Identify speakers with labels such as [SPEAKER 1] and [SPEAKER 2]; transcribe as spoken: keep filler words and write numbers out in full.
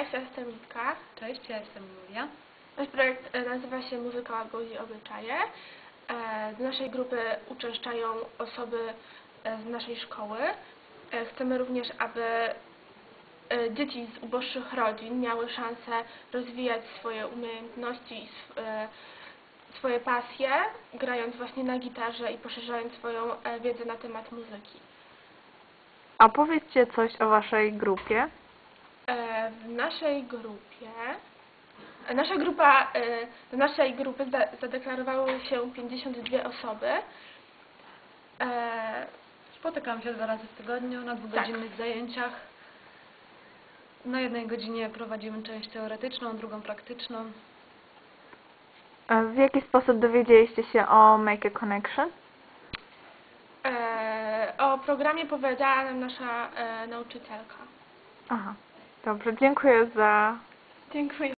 [SPEAKER 1] Cześć, ja jestem Litka.
[SPEAKER 2] Cześć, ja jestem Julia.
[SPEAKER 1] Nasz projekt nazywa się Muzyka godzi obyczaje. Do naszej grupy uczęszczają osoby z naszej szkoły. Chcemy również, aby dzieci z uboższych rodzin miały szansę rozwijać swoje umiejętności i swoje pasje, grając właśnie na gitarze i poszerzając swoją wiedzę na temat muzyki.
[SPEAKER 3] A powiedzcie coś o waszej grupie.
[SPEAKER 1] W naszej grupie, nasza grupa, do naszej grupy zadeklarowały się pięćdziesiąt dwie osoby.
[SPEAKER 2] Spotykam się dwa razy w tygodniu na dwugodzinnych tak. zajęciach. Na jednej godzinie prowadzimy część teoretyczną, drugą praktyczną.
[SPEAKER 3] W jaki sposób dowiedzieliście się o Make a Connection?
[SPEAKER 1] O programie powiedziała nam nasza nauczycielka.
[SPEAKER 3] Aha, dobrze, dziękuję za...
[SPEAKER 1] Dziękuję.